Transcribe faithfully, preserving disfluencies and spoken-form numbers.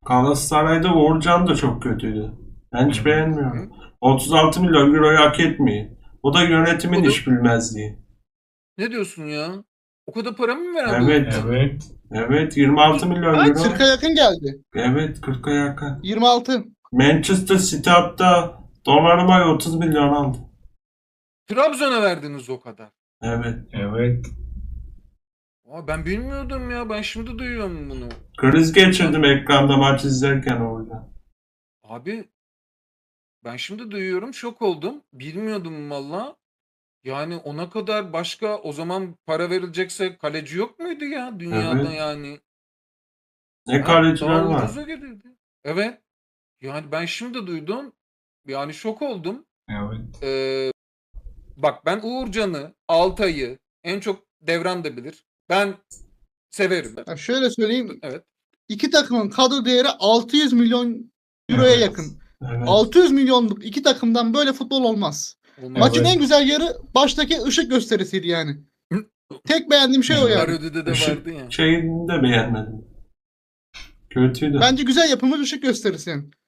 Galatasaray'da Uğurcan da çok kötüydü. Ben hiç Hı. beğenmiyorum. otuz altı milyon euroyu hak etmiyor. O da yönetimin O da iş bilmezliği. ne diyorsun ya? O kadar para mı veren bir Evet. Uğurcan? Evet. Evet, yirmi altı Peki milyon kaç? euro. kırka yakın geldi. Evet, kırka yakın. yirmi altı. Manchester City hatta Donnaruma'ya otuz milyon aldı. Trabzon'a verdiniz o kadar. Evet. Evet. Aa, ben bilmiyordum ya. Ben şimdi duyuyorum bunu. Kriz geçirdim ekranda maç izlerken orada. Abi ben şimdi duyuyorum. Şok oldum. Bilmiyordum valla. Yani ona kadar başka o zaman para verilecekse kaleci yok muydu ya dünyada Evet. yani? Ne Ha? kaleciler Daha var. ucuza gelirdi. Evet. Yani ben şimdi duydum. Yani şok oldum. Evet. Ee, bak ben Uğurcan'ı, Altay'ı en çok Devran da bilir. Ben severim. Ya şöyle söyleyeyim. Evet. İki takımın kadro değeri altı yüz milyon euroya Evet. yakın. Evet. altı yüz milyonluk iki takımdan böyle futbol olmaz. Olmaz. Maçın Evet. en güzel yarı baştaki ışık gösterisiydi yani. Tek beğendiğim şey o Evet. yani. Parodi'de de Işık vardı ya. şeyini de beğenmedim. Kötüydü. Bence güzel yapılmış ışık gösterisi yani.